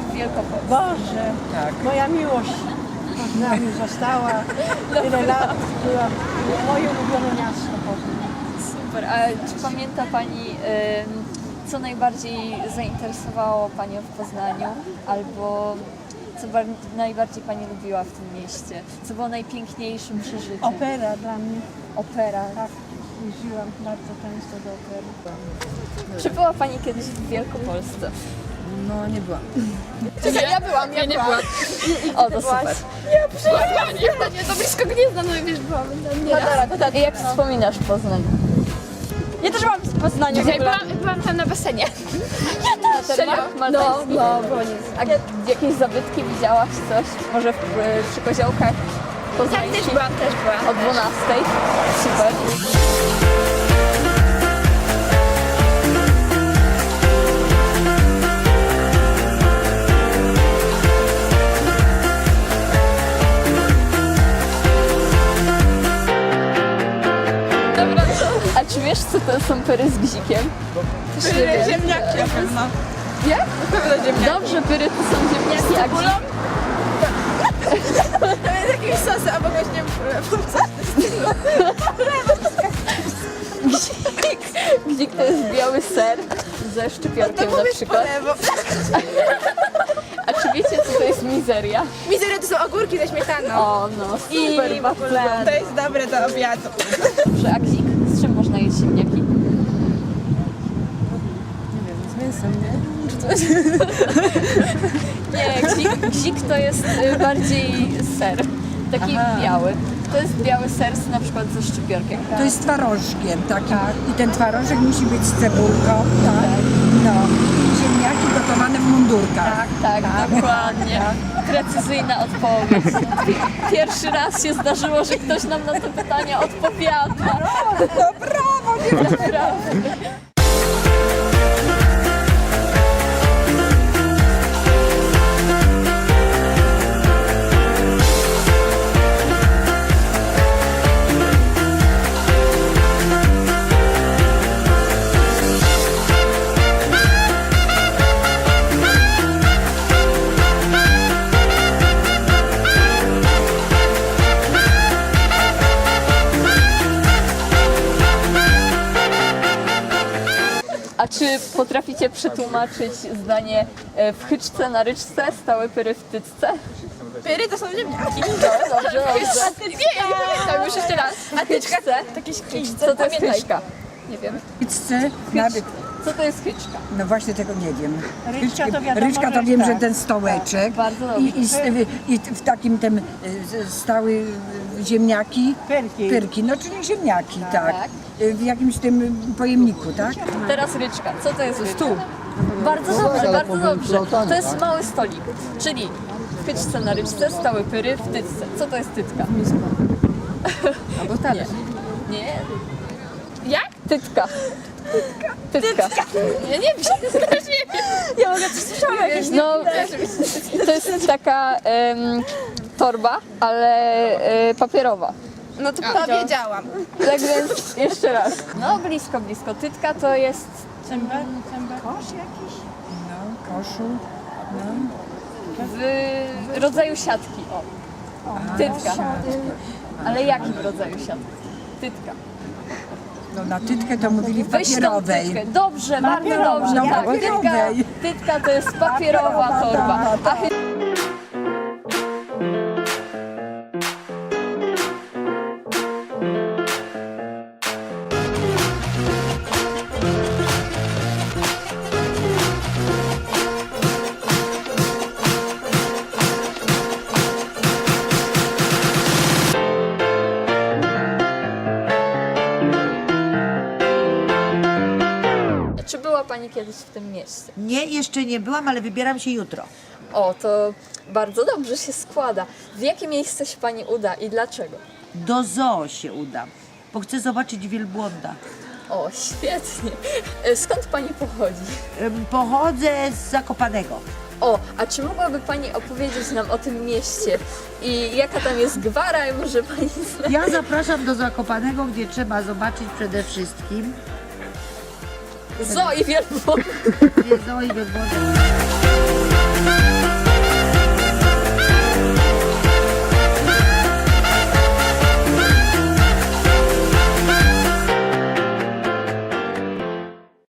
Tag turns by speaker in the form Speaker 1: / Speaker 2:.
Speaker 1: w Wielkopolsce?
Speaker 2: Boże, moja miłość z nami została. Tyle lat byłam. Moje ulubione miasto Poznań.
Speaker 1: Super. A czy pamięta Pani, co najbardziej zainteresowało Panią w Poznaniu? Albo co najbardziej Pani lubiła w tym mieście? Co było najpiękniejszym przeżyciem?
Speaker 2: Opera dla mnie.
Speaker 1: Opera.
Speaker 2: Tak, jeździłam bardzo często do opery.
Speaker 1: Czy była Pani kiedyś w Wielkopolsce?
Speaker 3: No nie byłam.
Speaker 1: Czekaj, ja byłam. O, to super.
Speaker 4: Nie, to blisko Gniezna, no i wiesz, byłam tam nie raz.
Speaker 1: I jak wspominasz Poznań?
Speaker 4: Ja też byłam w Poznaniu. Byłam tam na basenie.
Speaker 1: Serio?
Speaker 4: No, było nic.
Speaker 1: A jakieś zabytki widziałaś coś? Może przy koziołkach
Speaker 4: Tak,
Speaker 1: poznańskich?
Speaker 4: też byłam.
Speaker 1: O 12. Super. A czy wiesz, co to są pyry z gzikiem?
Speaker 4: Ziemniaki na pewno.
Speaker 1: Jak?
Speaker 4: Na pewno ziemniaki.
Speaker 1: Dobrze, pyry to są ziemniaki, a
Speaker 4: Cebulą?
Speaker 1: dzik?
Speaker 4: To jest jakieś sosy, albo właśnie
Speaker 1: Gzik to jest biały ser ze szczypiorkiem na przykład. A czy wiecie, co to jest mizeria?
Speaker 4: Mizery to są ogórki ze śmietaną.
Speaker 1: O, no, super,
Speaker 4: I w
Speaker 1: bardzo
Speaker 4: ogóle
Speaker 1: dobre.
Speaker 4: to jest dobre do obiadu.
Speaker 1: Dobrze, a gzik? Z czym można jeść ziemniaki?
Speaker 3: Z mięsem, nie?
Speaker 1: Nie, gzik to jest bardziej ser, taki biały. To jest biały ser na przykład ze szczypiorkiem.
Speaker 5: To jest twarożkiem takim. I ten twarożek musi być z cebulką, tak? No. I ziemniaki gotowane w mundurkach.
Speaker 1: Tak, dokładnie. Precyzyjna odpowiedź. Pierwszy raz się zdarzyło, że ktoś nam na to pytanie odpowiada.
Speaker 5: No brawo, nie
Speaker 1: Naprawdę. A czy potraficie przetłumaczyć zdanie w hyczce na ryczce, stały pyry w tycce?
Speaker 4: Pyry to są ziemniaki.
Speaker 1: Dobrze, dobrze.
Speaker 4: Nie, ja nie pamiętam już jeszcze raz.
Speaker 1: A tyczka?
Speaker 4: Takie
Speaker 1: Co to jest hyczka? Nie wiem.
Speaker 5: Pizzę, nawet,
Speaker 1: Co to jest hyczka?
Speaker 5: no właśnie tego nie wiem.
Speaker 2: Ryczka to wiadomo,
Speaker 5: Ryczka to
Speaker 2: że
Speaker 5: wiem,
Speaker 2: tak.
Speaker 5: że ten stołeczek.
Speaker 1: Bardzo dobrze.
Speaker 5: I w takim tym stały ziemniaki.
Speaker 2: Pyrki.
Speaker 5: No czyli ziemniaki, tak.
Speaker 1: Tak.
Speaker 5: W jakimś tym pojemniku, tak?
Speaker 1: Teraz ryczka. Co to jest stół? Bardzo dobrze, bardzo dobrze. To jest mały stolik, czyli w hyczce na ryczce, stały pyry w tycce. Co to jest tytka?
Speaker 3: Albo talerz.
Speaker 1: Nie,
Speaker 4: Jak?
Speaker 1: tytka. Tytka.
Speaker 4: Ja nie wiem. Ja mogę coś słyszałam jakieś.
Speaker 1: No, to jest taka torba, ale papierowa.
Speaker 4: No to powiedziałam.
Speaker 1: Tak więc jeszcze raz. No blisko, blisko. Tytka to jest
Speaker 2: Cembę? Kosz jakiś?
Speaker 5: No, koszu.
Speaker 1: w rodzaju siatki. O. Tytka. Ale jakim rodzaju siatki? Tytka.
Speaker 5: No na tytkę to mówili w
Speaker 1: Weź tą
Speaker 5: papierowej.
Speaker 1: tytkę. Dobrze, bardzo dobrze.
Speaker 5: No,
Speaker 1: Tak, tytka,
Speaker 5: papierowej.
Speaker 1: tytka to jest papierowa torba. A czy była Pani kiedyś w tym mieście?
Speaker 6: Nie, jeszcze nie byłam, ale wybieram się jutro.
Speaker 1: O, to bardzo dobrze się składa. W jakie miejsce się Pani uda i dlaczego?
Speaker 6: Do zoo się udam, bo chcę zobaczyć wielbłąda.
Speaker 1: O, świetnie. Skąd Pani pochodzi?
Speaker 6: Pochodzę z Zakopanego.
Speaker 1: O, a czy mogłaby Pani opowiedzieć nam o tym mieście i jaka tam jest gwara i może Pani zna?
Speaker 6: Ja zapraszam do Zakopanego, gdzie trzeba zobaczyć przede wszystkim
Speaker 1: Zoo i wielbłąd.
Speaker 6: zoo i wielbłąda.